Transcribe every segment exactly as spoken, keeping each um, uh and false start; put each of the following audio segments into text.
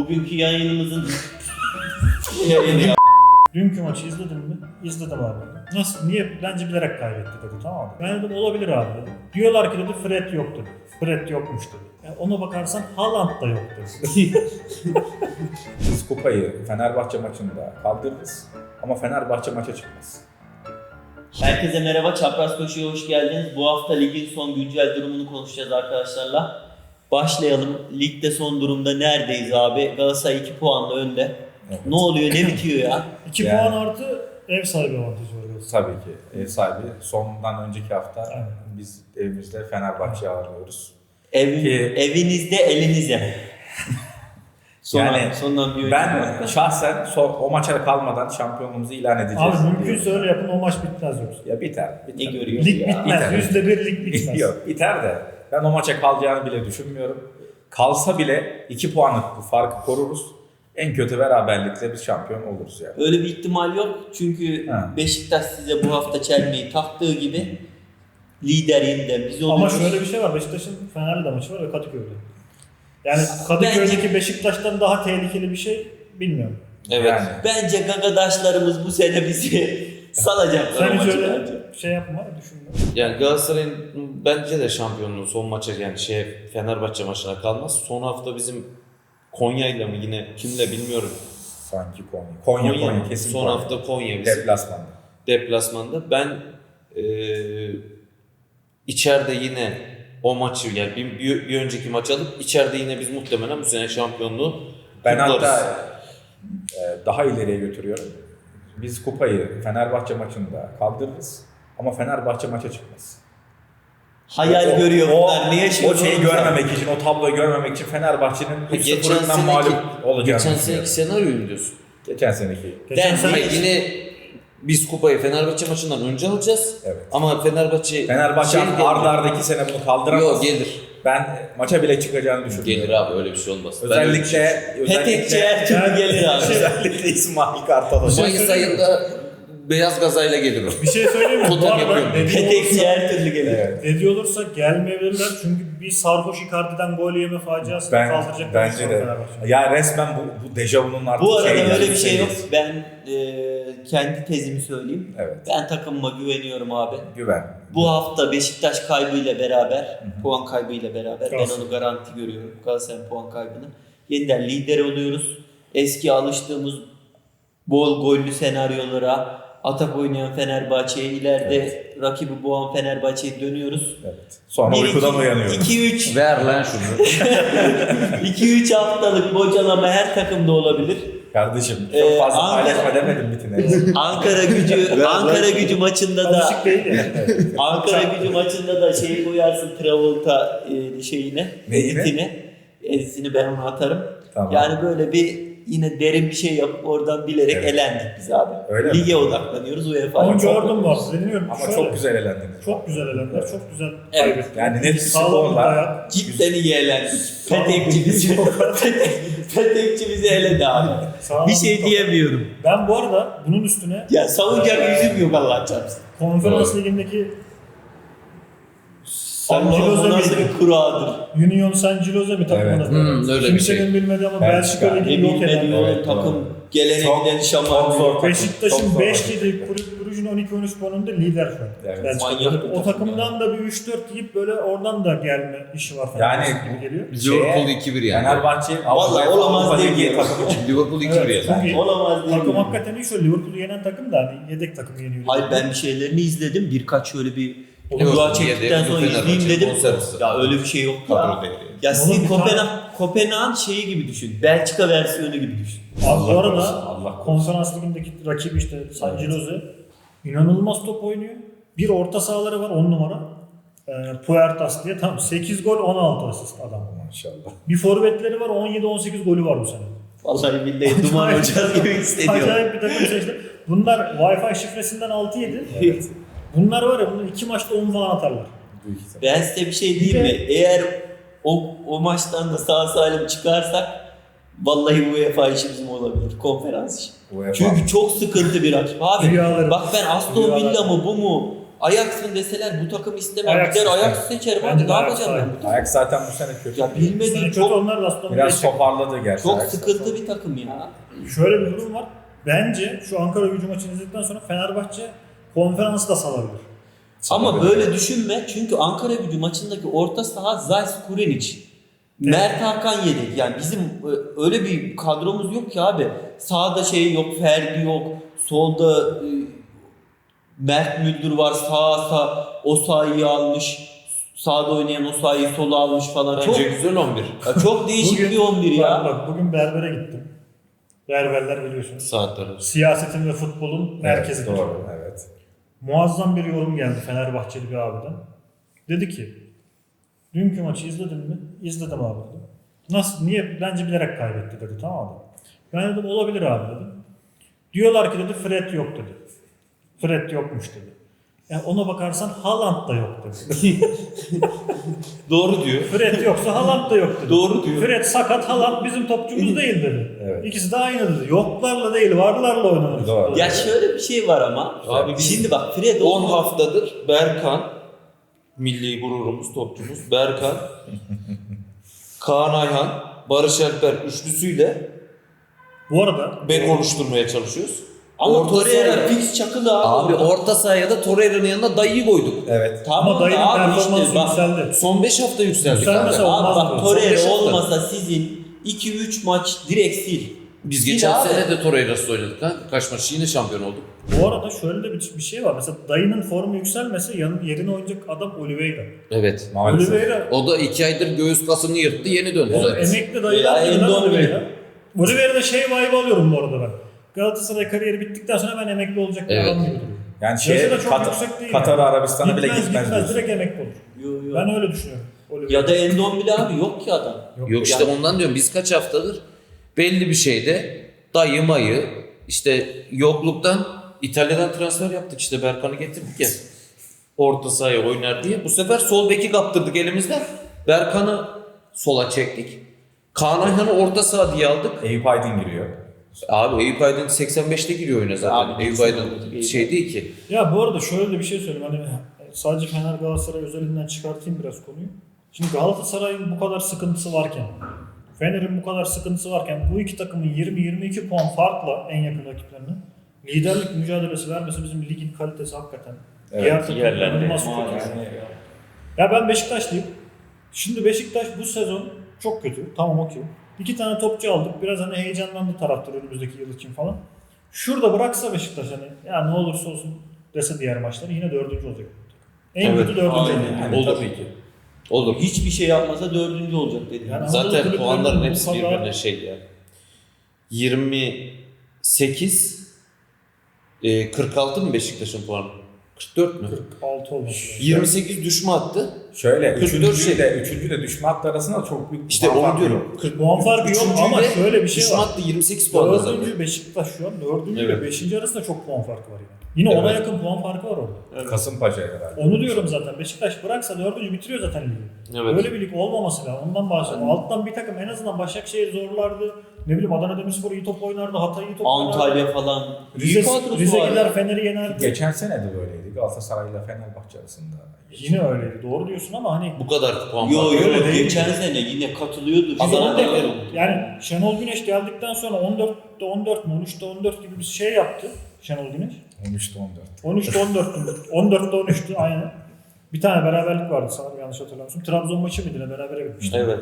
Bugünkü yayınımızın yayını ya. Dünkü maçı izledin mi? İzledim abi. Nasıl? Niye? Bence bilerek kaybetti dedi, tamam mı? Ben dedim olabilir abi dedim. Diyorlar ki dedi Fred yoktu. Fred yokmuş dedi. Yani ona bakarsan Haaland da yoktu. Biz kupayı Fenerbahçe maçında kaldırırız ama Fenerbahçe maça çıkmaz. Herkese merhaba, Çapraz Koşu'ya hoş geldiniz. Bu hafta ligin son güncel durumunu konuşacağız arkadaşlarla. Başlayalım. Ligde son durumda neredeyiz abi? Galatasaray iki puanla önde. Evet. Ne oluyor, ne bitiyor ya? iki Yani- puan artı ev sahibi avantajı var Galatasaray. Tabii ki ev sahibi. Sondan önceki hafta Aynen. biz evimizde Fenerbahçe'yi ağırlıyoruz. Ev, Ki- evinizde, elinizde. Son Yani sondan bir Ben önceki şahsen son, o maça kalmadan şampiyonluğumuzu ilan edeceğiz. Abi mümkünse diyorum. öyle yapın, o maç bitmez yoksa. Ya biter. Ne biter. görüyoruz Lig ya? bitmez. biter. Yüzde bir lig bitmez. Yok biter de ben o maça kalacağını bile düşünmüyorum. Kalsa bile iki puanlık bu farkı koruruz. En kötü beraberlikle biz şampiyon oluruz yani. Öyle bir ihtimal yok çünkü Ha. Beşiktaş size bu hafta çelmeyi taktığı gibi lider yeniden biz Ama oluyoruz. şöyle bir şey var. Beşiktaş'ın Fener'le maçı var ve Kadıköy'de. Yani Kadıköy'deki Beşiktaş'tan daha tehlikeli bir şey bilmiyorum. Evet. Yani. Bence gagadaşlarımız bu sene bizi salacaklar o Sen hiç maçı öyle bence. şey yapma, düşünme. Yani Galatasaray'ın bence de şampiyonluğu son maça yani şey Fenerbahçe maçına kalmaz. Son hafta bizim Konya'yla mı yine kimle bilmiyorum. Sanki Konya. Konya, Konya, mı? kesin Son Konya. hafta Konya bizim Deplasmanda. deplasmanda. Ben eee içeride yine o maçı yani bir, bir, bir önceki maç alıp içeride yine biz muhtemelen bu sene şampiyonluğu Ben kutlarız. hatta e, daha ileriye götürüyorum. Biz kupayı Fenerbahçe maçında kaldırırız ama Fenerbahçe maça çıkmaz. Hayal O- görüyor o, bunlar. Ne yaşıyor? O şeyi görmemek için, o tabloyu görmemek için Fenerbahçe'nin üç geçen sıfırından seneki, mağlup olacağını geçen düşünüyorum. seneki senaryoyu mu diyorsun? Geçen seneki. Geçen Ben- sene Hayır, yine biz kupayı Fenerbahçe maçından önce alacağız. Evet. Ama Fenerbahçe Fenerbahçe şey arda arda iki sene bunu kaldıramaz. Yok gelir. Ben maça bile çıkacağını düşünüyorum. Gelir abi öyle bir şey olmaz. Ben öyle bir şey- Özellikle, Petekçi özellikle, her türlü gelir abi. özellikle İsmail Kartal Hoca. Mayıs ayında beyaz gazayla gelir o. bir şey söyleyeyim mi? Bu Totem arada yapıyorum. dediği Petekçi olursa, her türlü gelir. Evet. dediği olursa gelmeyebilirler çünkü bir sarhoş Icardi'den gol yeme faciasını Ben, kaldıracak. bence de. Ya resmen bu, bu dejavunun artık Bu arada şey öyle yani, bir şey yok. seviyesi. Ben e, kendi tezimi söyleyeyim. Evet. Ben takımıma güveniyorum abi. Güven. Bu hafta Beşiktaş kaybıyla beraber, puan kaybıyla beraber ben Galatasaray. onu garanti görüyorum. Galatasaray'ın puan kaybını. Yeniden lider oluyoruz. Eski alıştığımız bol gollü senaryolara, atak oynayan Fenerbahçe'ye, ileride rakibi boğan Fenerbahçe'ye dönüyoruz. Evet. Sonra Bir, uykudan iki- uyanıyoruz. iki üç Ver lan şunu. iki üç haftalık bocalama her takımda olabilir. Kardeşim çok Ee, fazla Ankara- paylaşma demedim bitine. Ankara Gücü Ankara Gücü maçında da Alışık değil ya. Ankara Gücü maçında da şeyi koyarsın Travolta e, şeyine, Neyine? editine. Editini ben ona atarım. Tamam. Yani böyle bir yine derin bir şey yapıp oradan bilerek Evet. elendik biz abi. Öyle Lige mi? odaklanıyoruz UEFA'ya. Onu Çok- gördüm bu arada. Dinliyorum. Ama Şöyle, çok güzel elendiniz. Çok güzel elenler, çok güzel Evet. kaybettiler. Yani net bir Sağlam skorla- dayak. Cidden iyi elendik. Petekçi bizi, Petekçi bizi eledi abi. Sağlam Bir şey top. diyemiyorum. Ben bu arada bunun üstüne Ya savunacak yüzüm yok Allah çarpsın. Konferans Ligi'ndeki San Allah'ım o Giloze nasıl miydi? bir kuradır. Union San Giloze mi takımına? Evet. Hmm, öyle bir Kimsenin şey. bilmediği ama Belçika. Belçika Ne Ligi'ni yok bilmediği eden. o Evet, takım doğru. geleneğinden Çok şaman. zor. Çok Beşiktaş'ın zor. beş yedi, Kulüp Brugge'ün on iki on üç puanında lider şu an. Evet. Belçika'da. Manyak bir O takım takımdan da bir üç dört yiyip böyle oradan da gelme işi var. Yani Fenerbahçe gibi geliyor. Liverpool iki bir yani. Fenerbahçe Vallahi olamaz Avrupa değil Ligi diyorum. takımı çıktı. Liverpool iki bir Evet, yani. çünkü Olamaz değil takım mi? hakikaten iyi şöyle Liverpool'u yenen takım da hani yedek takımı yeniyor. Hayır ben bir şeylerini izledim. Birkaç şöyle bir Liverpool dua çektikten yedi, sonra Fenerbahçe izleyeyim dedim. bonservisi. Ya öyle bir şey yok ya. Kadroda yani. Ya Oğlum sizin bir tane- Kopenhag, Kopenhag'ın şeyi gibi düşün. Belçika versiyonu gibi düşün. Abi bu Allah arada korusun, Allah korusun. konferans ligindeki rakibi işte San Giloze inanılmaz top oynuyor. Bir orta sahaları var on numara. E, Puertas diye tam sekiz gol on altı asist adam. Maşallah. Bir forvetleri var on yedi on sekiz golü var bu sene. Vallahi billahi duman olacağız gibi hissediyorum. Acayip bir takım seçti. Bunlar Wi-Fi şifresinden altı yedi. Evet. Bunlar var ya bunlar iki maçta on puan atarlar. Büyük ihtimal. Ben size bir şey diyeyim mi? Eğer o, o maçtan da sağ salim çıkarsak vallahi UEFA işi bizim olabilir. Konferans işi. UEFA. Çünkü çok sıkıntı bir rakip abi. Rüyalarım. Bak ben Aston Rüyalarım. Villa mı bu mu? Ajax'ın deseler bu takım istemem. Ajax Gider ister. Ajax seçerim Bence abi. de Ne Ajax yapacağım ben ister. bu takım? Ajax zaten bu sene kötü. Ya Sene bilmediğim kötü çok, onlar da aslında Biraz geçecek. toparladı gerçi. çok Ajax. sıkıntı bir takım ya. Şöyle bir durum var. Bence şu Ankara Gücü maçını izledikten sonra Fenerbahçe konferansı da salabilir. Ama böyle düşünme çünkü Ankara Gücü maçındaki orta saha Zayt Kurenic. Mert Hakan yedek. Yani bizim e, öyle bir kadromuz yok ki abi. Sağda şey yok, Ferdi yok. Solda e, Mert Müldür var. Sağ sağ Osayi'yi almış. Sağda oynayan Osayi'yi sola almış falan. Bence Çok güzel on bir. ya çok değişik bir on bir ya. Bak, bak bugün berbere gittim. Berberler biliyorsunuz. Saatler. Siyasetin ve futbolun merkezidir. Evet, doğru, evet. Muazzam bir yorum geldi Fenerbahçeli bir abiden. Dedi ki, dünkü maçı izledin mi? İzledim abi dedi. Nasıl, niye? Bence bilerek kaybetti dedi, tamam mı? Ben dedim olabilir abi dedim. Diyorlar ki dedi Fred yok dedi. Fred yokmuş dedi. Yani ona bakarsan Haaland da yok dedi. Doğru diyor. Fred yoksa Haaland da yok dedi. Doğru diyor. Fred sakat, Haaland bizim topçumuz değil dedi. Evet. İkisi de aynı dedi. Yoklarla değil, varlarla oynanır. Doğru. Ya şöyle bir şey var ama. Abi biz Şimdi bak Fred on olmaz. haftadır Berkan, milli gururumuz, topçumuz Berkan, Kaan Ayhan, Barış Alper üçlüsüyle Bu arada bek oluşturmaya çalışıyoruz. Ama Orta Torreira sahaya- fix çakılı abi. Abi orta sahaya da Torreira'nın yanına dayıyı koyduk. Evet. Tamam ama dayının da abi performansı işte bak. yükseldi. Son beş hafta yükseldik Yükselmese abi. olmaz. Abi mı? bak Son beş Torreira hafta. olmasa sizin iki üç maç direkt sil. Biz Sil geçen abi. sene de Torreira'sız oynadık ha. Kaç maç yine şampiyon olduk. Bu arada şöyle de bir, bir şey var. Mesela dayının formu yükselmese yanın, yerine oynayacak adam Oliveira. Evet. Maalesef. Oliveira O da iki aydır göğüs kasını yırttı, yeni döndü o zaten. emekli dayılar Ya, gibi lan Endombele. Oliveira. Oliveira'da şey vibe alıyorum bu arada ben. Galatasaray kariyeri bittikten sonra ben emekli olacak bir Evet. adam gibi duruyor. Yani şey, Yaşı da çok Kat- yüksek değil Katar yani. Arabistan'a bile Gitmez gitmez, gitmez diyorsun. direkt emekli olur. Yo, yo. Ben öyle düşünüyorum. Oliveira. Ya da Endombele abi yok ki adam. Yok işte ondan diyorum biz kaç haftadır belli bir şeyde dayı mayı işte yokluktan İtalya'dan transfer yaptık işte Berkan'ı getirdik ya orta sahaya oynar diye. Bu sefer sol beki kaptırdık elimizden. Berkan'ı sola çektik. Kaan Ayhan'ı orta saha diye aldık. Eyüp Aydın giriyor. Abi Eyüp Aydın seksen beşte giriyor oyuna zaten. Abi, Eyüp Aydın şey değil ki. Ya bu arada şöyle de bir şey söyleyeyim. Hani sadece Fener Galatasaray özelinden çıkartayım biraz konuyu. Şimdi Galatasaray'ın bu kadar sıkıntısı varken, Fener'in bu kadar sıkıntısı varken bu iki takımın yirmi yirmi iki puan farkla en yakın rakiplerine liderlik mücadelesi vermesi bizim ligin kalitesi hakikaten. Evet, Diğer takım yerlerde. inanılmaz kötü. Maalesef. Ya ben Beşiktaşlıyım. Şimdi Beşiktaş bu sezon çok kötü. Tamam okey. İki tane topçu aldık. Biraz hani heyecanlandı taraftar önümüzdeki yıl için falan. Şurada bıraksa Beşiktaş hani ya ne olursa olsun dese diğer maçları yine dördüncü olacak. En Evet, kötü dördüncü aynen. olacak. Yani Olur. tabii ki. Olur. Hiçbir şey yapmasa dördüncü olacak dedi. Yani Anadolu Zaten kulüplerinin puanların bu hepsi kadar- birbirine şey ya. yirmi sekiz e, kırk altı mı Beşiktaş'ın puanı? kırk dört mü? kırk altı olması lazım. yirmi sekiz düşme attı. Şöyle, kırk dört üçüncüyle, üçüncüyle düşme hattı arasında çok büyük İşte puan onu farkı diyorum. yok. kırk Puan farkı yok ama Üçüncüyle şöyle bir şey düşme var. hattı yirmi sekiz puan zaten. Dördüncü Beşiktaş şu an dördüncü Evet. ile beşinci arasında çok puan farkı var yani. Yine ona Evet. yakın puan farkı var orada. Kasımpaşa'ya kadar. Onu diyorum zaten. Beşiktaş bıraksa dördüncü bitiriyor zaten ligi. Evet. Böyle bir lig olmaması lazım. Ondan bahsediyorum. Alttan bir takım en azından Başakşehir zorlardı. Ne bileyim Adana Demirspor iyi top oynardı. Hatay iyi top oynardı. Antalya falan. Rize, Büyük kadrosu Rize var gider ya. Fener'i yenerdi. Geçen sene de böyleydi. Galatasaray ile Fenerbahçe arasında. Yine öyleydi. Doğru diyorsun ama hani Bu kadar puan Yo farkı. yo Öyle değil. geçen sene yine katılıyordu. Biz Adana on dört Demir. yani Şenol Güneş geldikten sonra on dörtte on dört mü on üçte on dört gibi bir şey yaptı Şenol Güneş. on üçte on dört. on üçte on dörttü. on dörtte on üçtü aynen. Bir tane beraberlik vardı sanırım yanlış hatırlamıyorsam. Trabzon maçı mıydı ne berabere bitmişti. Evet.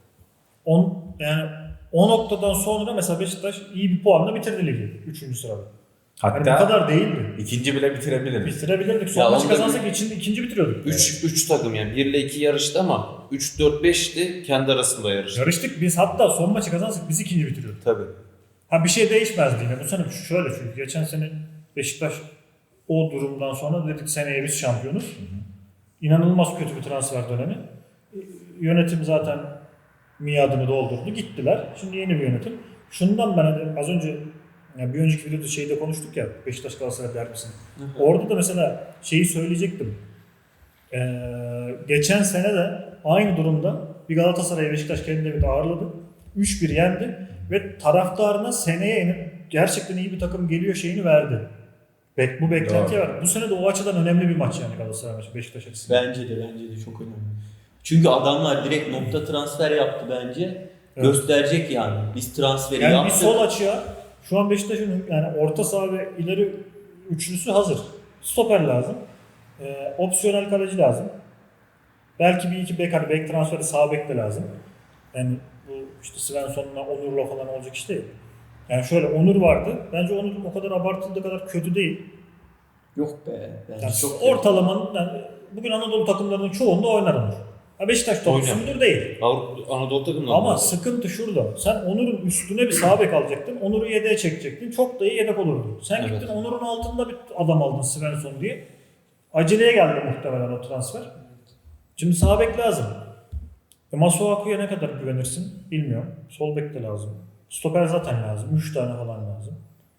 on yani o noktadan sonra mesela Beşiktaş iyi bir puanla bitirdi ligi üçüncü sırada. Hani bu Hatta kadar değildi. ikinci bile bitirebiliriz. Bitirebilirdik. Ya Son maçı onda kazansak içinde ikinci bitiriyorduk. üç üç takım yani bir ile iki yarıştı ama üç dört beşti kendi arasında yarıştı. Yarıştık biz hatta son maçı kazansak biz ikinci bitiriyorduk. Tabii. Ha bir şey değişmezdi yine. Bu sene şöyle çünkü geçen sene Beşiktaş o durumdan sonra dedik seneye biz şampiyonuz. İnanılmaz kötü bir transfer dönemi. Yönetim zaten miadını doldurdu. Gittiler. Şimdi yeni bir yönetim. Şundan ben hani az önce yani bir önceki videoda şeyde konuştuk ya Beşiktaş Galatasaray derbisini. Orada da mesela şeyi söyleyecektim. Ee, geçen sene de aynı durumda bir Galatasaray Beşiktaş kendi evinde ağırladı. üç bir yendi ve taraftarına seneye gerçekten iyi bir takım geliyor şeyini verdi. Bek, bu beklentiye var. Bu sene de o açıdan önemli bir maç yani Galatasaray maçı Beşiktaş açısından. Bence de bence de çok önemli. Çünkü adamlar direkt nokta transfer yaptı bence. Evet. Gösterecek yani. Biz transferi Yani yaptık. bir sol açığa şu an Beşiktaş'ın yani orta saha ve ileri üçlüsü hazır. Stoper lazım. Ee, opsiyonel kaleci lazım. Belki bir iki bek, hani bek transferi sağ bek de lazım. Yani bu işte Svensson'la Onur'la falan olacak iş değil. Yani şöyle Onur vardı. Bence Onur o kadar abartıldığı kadar kötü değil. Yok be. Bence Yani çok ortalamanın yani bugün Anadolu takımlarının çoğunda oynar Onur. Ha Beşiktaş topçusu mudur değil. Avrupa, Anadolu takımları. Ama sıkıntı şurada. Sen Onur'un üstüne bir sağ bek alacaktın. Onur'u yedeğe çekecektin. Çok da iyi yedek olurdu. Sen Evet. gittin Onur'un altında bir adam aldın Svensson diye. Aceleye geldi muhtemelen o transfer. Şimdi sağ bek lazım. E Masuaku'ya ne kadar güvenirsin bilmiyorum. Sol bek de lazım. Stoper zaten lazım. üç tane falan lazım.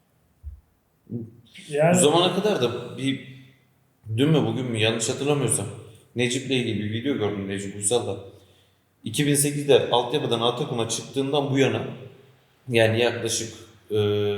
Yani Bu zamana kadar da bir dün mü bugün mü yanlış hatırlamıyorsam Necip'le ilgili bir video gördüm Necip Uysal'da. iki bin sekizde altyapıdan A takıma çıktığından bu yana yani yaklaşık e,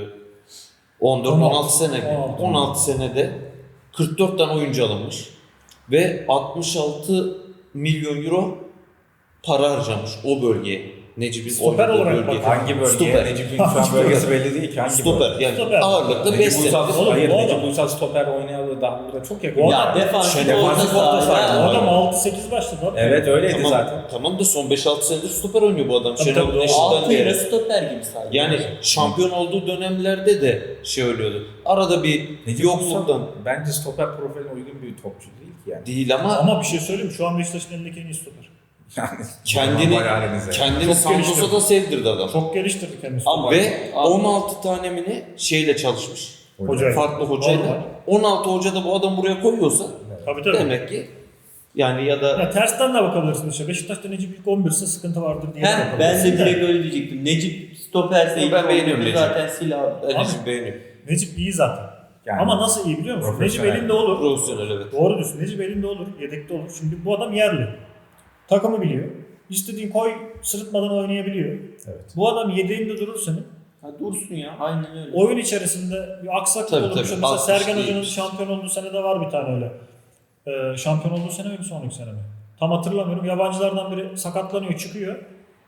on dört on altı sene on altı senede kırk dört tane oyuncu alınmış ve altmış altı milyon euro para harcamış o bölgeye. Necip'in Stoper oynadığı olarak bölge. bak- Hangi bölge? Stoper. Necip'in şu an bölgesi belli değil ki. Hangi Stoper bölge? yani Stoper. ağırlıklı beş Necip sene. Uysal, Oğlum, hayır bu Necip adam- Uysal stoper oynayalı daha burada çok yakın. Bu Ya adam- defansif Şey, orta defansif orta saha. saha. ya. o adam altı sekiz başladı abi. Evet öyleydi Tamam, zaten. tamam da son beş altı senedir stoper oynuyor bu adam. Tabii, Şenol tabii, Güneş'ten Altı beri. ile stoper gibi sadece. Yani şampiyon olduğu dönemlerde de şey oluyordu. Arada bir Necip yokluktan Uysal bence stoper profiline uygun bir topçu değil ki yani. değil ama, Ama bir şey söyleyeyim mi? Şu an Beşiktaş'ın elindeki en iyi stoper. Yani kendini normal halinize. kendini Çok Santos'a geliştirdi. da sevdirdi adam. Çok geliştirdi kendisi. Ama- Ve Ama- on altı tane mi ne şeyle çalışmış. Hocayla. Farklı hocayla. Normal. on altı hoca da bu adam buraya koyuyorsa Tabii tabii. demek ki yani ya da Ya tersten de bakabilirsin işte. Beşiktaş'ta Necip ilk on birse sıkıntı vardır diye de Heh, ben bakabilirsin de direkt öyle diyecektim. Necip stoperse Ben ilk beğeniyorum oyuncu Necip. zaten sil abi. ben Abi- Necip beğeniyorum. Necip iyi zaten. Yani Ama nasıl iyi biliyor musun? Necip profesyonel. elinde olur. Profesyonel evet. Doğru diyorsun. Necip elinde olur. Yedekte olur. Şimdi bu adam yerli. Takımı biliyor. İstediğin koy sırıtmadan oynayabiliyor. Evet. Bu adam yedeğinde durur senin. Ha, dursun ya aynen öyle. Oyun içerisinde bir aksaklık Tabii, olurmuş. tabii. Mesela Altmış Sergen değil. Hoca'nın şampiyon olduğu sene de var bir tane öyle. Ee, şampiyon olduğu sene mi bir sonraki sene mi? Tam hatırlamıyorum. Yabancılardan biri sakatlanıyor, çıkıyor.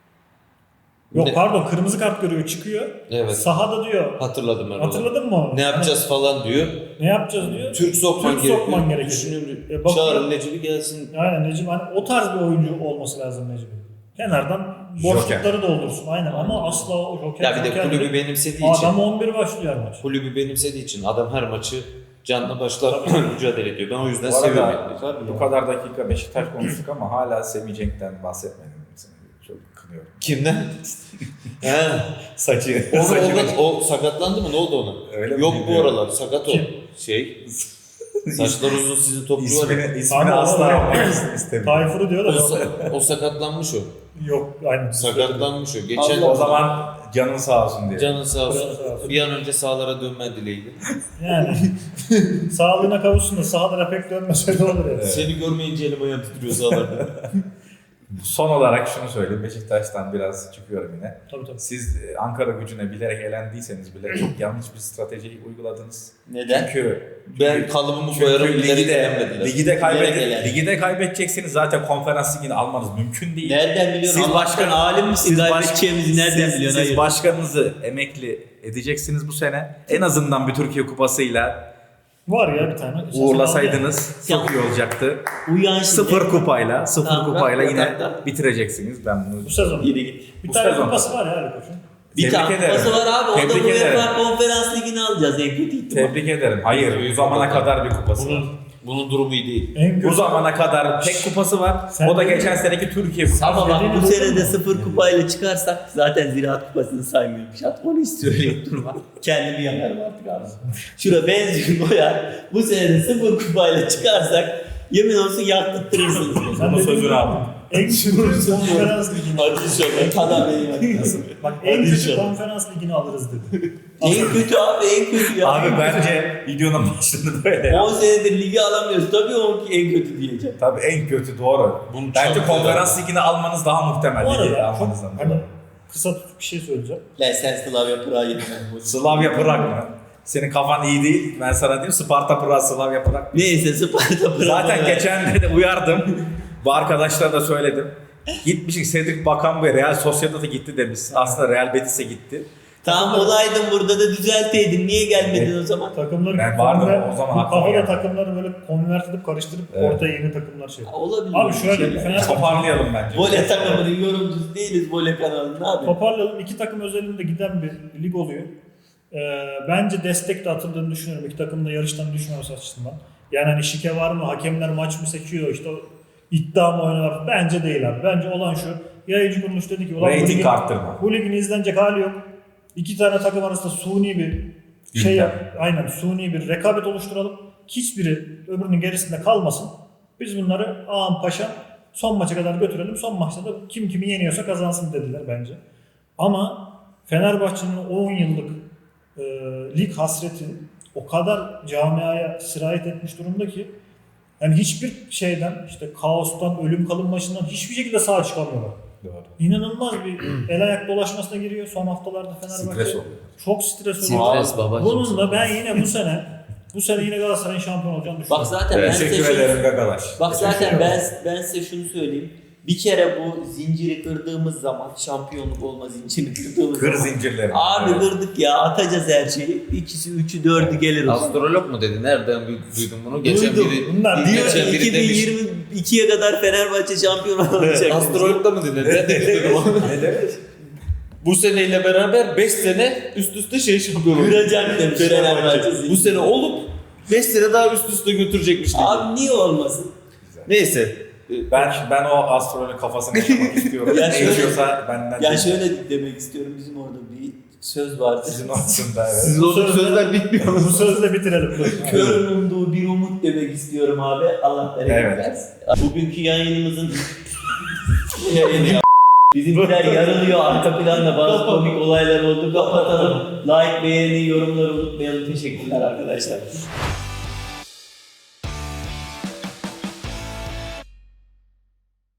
Yok Ne? pardon, kırmızı kart görüyor, çıkıyor. Evet. Sahada diyor. Hatırladım ben onu. Hatırladın mı onu? Ne yapacağız falan diyor. Hani ne yapacağız diyor. Türk sokman Türk gerekiyor. sokman gerekiyor. Düşünüyorum. E, bakıyor. Çağırın Necip'i gelsin. Aynen Necip hani o tarz bir oyuncu olması lazım Necip'in. Kenardan boşlukları doldursun aynen ama asla o joker. Ya bir de joker kulübü değil. benimsediği için. Adam on bir başlıyor her maç. Kulübü benimsediği için adam her maçı canla başla mücadele ediyor. Ben o yüzden Bu arada seviyorum. bu kadar dakika Beşiktaş konuştuk ama hala Semih Cenk'ten bahsetmedim. Seni çok kınıyorum. Kimden? He. Saçı. O, saçı. o, o sakatlandı mı? Ne oldu ona? Öyle mi Yok bu bilmiyorum. aralar. Sakat o. Kim? Şey. Saçlar uzun sizin topçu var. ya. İsmini, ismini Ama asla o- yapmak istemiyorum. Tayfur'u diyor O, da sa- o sakatlanmış o. yok aynen. Sakatlanmış o. Geçen O zaman canın sağ olsun diye. canın sağ Canın olsun. sağ olsun. Bir an önce sahalara dönmen dileğiyle. Yani sağlığına kavuşsun da sahalara pek dönmese de olur yani. Seni görmeyince elim ayağım titriyor sahalarda. Son olarak şunu söyleyeyim. Beşiktaş'tan biraz çıkıyorum yine. Tabii tabii. Siz e, Ankara Gücü'ne bilerek elendiyseniz bile çok yanlış bir strateji uyguladınız. Neden? Çünkü Ben kalıbımı koyarım. çünkü Bilerek ligde, elenmediler. ligde, kaybede, Bilerek elendi. ligde kaybedeceksiniz zaten konferans ligini almanız mümkün değil. Nereden biliyorsun? Siz Allah başkan- aşkına alim misin? Siz baş- Kaybedeceğimizi nereden siz, biliyorsun? Siz Hayır. başkanınızı emekli edeceksiniz bu sene. En azından bir Türkiye Kupası'yla Var ya bir tane. uğurlasaydınız çok iyi olacaktı. Uyan şimdi. Sıfır kupayla, sıfır Tamam, kupayla bırak, yine bırak, bırak. bitireceksiniz. Ben bunu Bu sezon. Yürü git. Bir Bu tane sezon. kupası var ya Ali Koç'un. Bir Tebrik tane ederim. kupası var abi. O da Tebrik bu ederim. UEFA Konferans Ligi'ni alacağız en kötü ihtimal. tebrik ederim. Hayır, bu zamana kadar bir kupası var. Bunun, bunun durumu iyi değil. En Bu kötü. zamana kadar tek kupası var. Sen- O da geçen seneki Türkiye Kupası. Ama bak Dediğini bu duydun sene de mu? sıfır kupayla çıkarsak zaten Ziraat Kupası'nı saymıyorum. Şat onu istiyor öyle durma. Kendimi yakarım artık abi. Şura benzin koyar. Bu sene de sıfır kupayla çıkarsak yemin olsun yaktırtırsınız. Sen Bunu dedin sözünü mi? aldım. En kötü konferans ligini. Hadi inşallah. Kadar beni yaktırırsın. Bak en Hadi kötü inşallah. konferans ligini alırız dedi. En kötü abi en kötü ya. Abi bence videonun başında böyle ya. on senedir ligi alamıyoruz. Tabii o ki en kötü diyeceğim. Tabii en kötü doğru. Bunu Bence çok konferans ligini almanız daha muhtemel. Bu Ligi arada çok almanızdan. hani kısa bir şey söyleyeceğim. Lan sen Slavia Prag'a yeniden. Slavia Prag mı? Senin kafan iyi değil. Ben sana diyeyim Sparta Praslav yaparak. Neyse Sparta Praha. Zaten geçen de, de uyardım. Bu arkadaşlara da söyledim. Gitmişik Cedric Bakan ve Real Sociedad'a gitti demiş. Aslında Real Betis'e gitti. Tamam olaydın burada da düzelteydin. Niye gelmedin o zaman? Takımları Ben vardım konver- o zaman, bu aklıma kafada geldi. takımları böyle konvert edip karıştırıp Evet. ortaya yeni takımlar şey. Ha, olabilir. Abi şöyle Şey- Fenerbahçe Toparlayalım bence. Vole takımının yorumcusu değiliz Vole kanalının abi. toparlayalım. İki takım özelinde giden bir lig oluyor. Ee, bence destek de atıldığını düşünüyorum. İki takımın da yarıştan düşmemesi açısından. Yani hani şike var mı? Hakemler maç mı seçiyor? İşte iddia mı oynuyorlar? Bence değil abi. Bence olan şu. Yayıncı kuruluş dedi ki ulan bu Rating ligin, arttırma. bu ligin izlenecek hali yok. İki tane takım arasında suni bir şey Gündem. yap. Aynen suni bir rekabet oluşturalım. Hiçbiri öbürünün gerisinde kalmasın. Biz bunları ağam paşam son maça kadar götürelim. Son maçta da kim kimi yeniyorsa kazansın dediler bence. Ama Fenerbahçe'nin on yıllık e, lig hasreti o kadar camiaya sirayet etmiş durumda ki yani hiçbir şeyden işte kaostan, ölüm kalım maçından hiçbir şekilde sağ çıkamıyorlar. Doğru. İnanılmaz bir el ayak dolaşmasına giriyor son haftalarda Fenerbahçe. Stres oluyor. Çok stres oluyor. Stres babacığım. Bununla ben yine bu sene bu sene yine Galatasaray'ın şampiyon olacağını düşünüyorum. Bak zaten ben size Teşekkür şunu, ederim Gagalaş. bak zaten Teşekkür ben ederim. ben size şunu söyleyeyim. Bir kere bu zinciri kırdığımız zaman şampiyonluk olma zincirini kırdığımız Kır zaman. zincirleri. Abi Evet. kırdık ya atacağız her şeyi. İkisi, üçü, dördü gelir o zaman. Astrolog mu dedi? Nereden du- duydun bunu? Geçen Duydum. biri, Bunlar Diyor geçen ki biri demiş. iki bin yirmi ikiye kadar Fenerbahçe şampiyon olacak. Astrolog'da mı dedi? Ben de dedim onu. Ne demek? Bu seneyle beraber beş sene üst üste şey şampiyon oldu. Kıracak demiş Fenerbahçe. Bu sene olup beş sene daha üst üste götürecekmiş dedi. Abi niye olmasın? Neyse. Ben ben o astrolojinin kafasını yaşamak istiyorum. Ya Ne şöyle- içiyorsa benden Ya değil. şöyle demek istiyorum, bizim orada bir söz vardı. Sizin aslında evet. Sizin o sözler bitmiyor. Bu sözle bitirelim. Körün umduğu bir umut demek istiyorum abi. Allah bereket Evet. versin. Bugünkü yayınımızın yayını bizimkiler yarılıyor. Arka planda bazı komik olaylar oldu. Kapatalım. Like, beğeni, yorumları unutmayalım. Teşekkürler arkadaşlar.